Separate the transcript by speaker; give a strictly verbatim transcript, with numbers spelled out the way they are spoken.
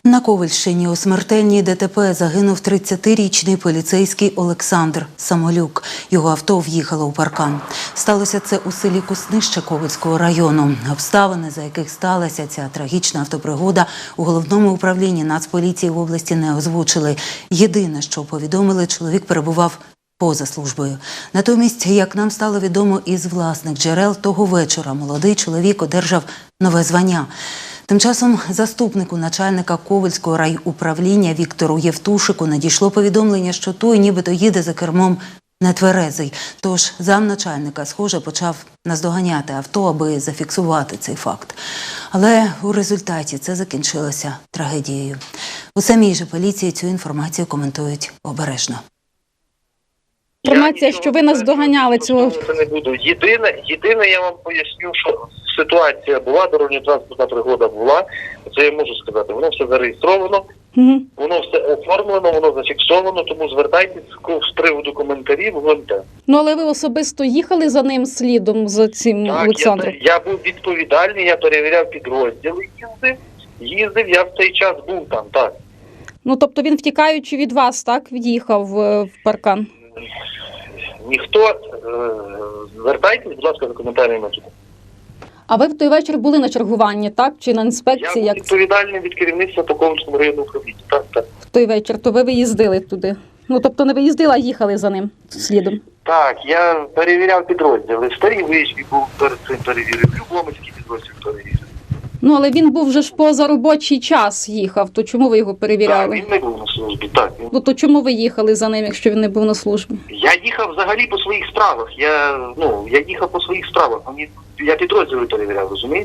Speaker 1: На Ковельщині у смертельній ДТП загинув тридцятирічний поліцейський Олександр Самолюк. Його авто в'їхало у паркан. Сталося це у селі Куснище Ковельського району. Обставини, за яких сталася ця трагічна автопригода, у головному управлінні Нацполіції в області не озвучили. Єдине, що повідомили, чоловік перебував поза службою. Натомість, як нам стало відомо із власних джерел, того вечора молодий чоловік одержав нове звання. Тим часом заступнику начальника Ковельського райуправління Віктору Євтушику надійшло повідомлення, що той нібито їде за кермом нетверезий. Тож замначальника, схоже, почав наздоганяти авто, аби зафіксувати цей факт. Але у результаті це закінчилося трагедією. У самій же поліції цю інформацію коментують обережно.
Speaker 2: Інформація, що ви нас доганяли цього.
Speaker 3: Це не буду. Єдине, єдине, я вам поясню, що ситуація була, дорожньо-транспортна пригода була, це я можу сказати, воно все зареєстровано, угу. Воно все оформлено, воно зафіксовано, тому звертайтесь з приводу коментарів в ГУНТ.
Speaker 2: Ну, але ви особисто їхали за ним слідом, за цим
Speaker 3: так,
Speaker 2: Олександром?
Speaker 3: Я, я був відповідальний, я перевіряв підрозділи, їздив, їздив, я в цей час був там, так.
Speaker 2: Ну, тобто він, втікаючи від вас, так, в'їхав в паркан?
Speaker 3: Ніхто, е, звертайтесь, будь ласка, за коментарями тут.
Speaker 2: А ви в той вечір були на чергуванні, так? Чи на інспекції?
Speaker 3: Я був відповідальний від керівництва по Ковельському районному управлінню, так, так.
Speaker 2: В той вечір, то ви виїздили туди? Ну, тобто не виїздили, а їхали за ним слідом?
Speaker 3: Так, я перевіряв підрозділи. В Старій Вишні був перед цим перевірив, Любомирський підрозділ перевірив.
Speaker 2: Ну, але він був вже ж поза робочий час їхав, то чому ви його перевіряли?
Speaker 3: Так, він не був на службі, так. Він...
Speaker 2: Ну, то чому ви їхали за ним, якщо він не був на службі?
Speaker 3: Я їхав взагалі по своїх справах. Я, ну, я їхав по своїх справах. Мені, я підрозділи перевіряв, розумієте?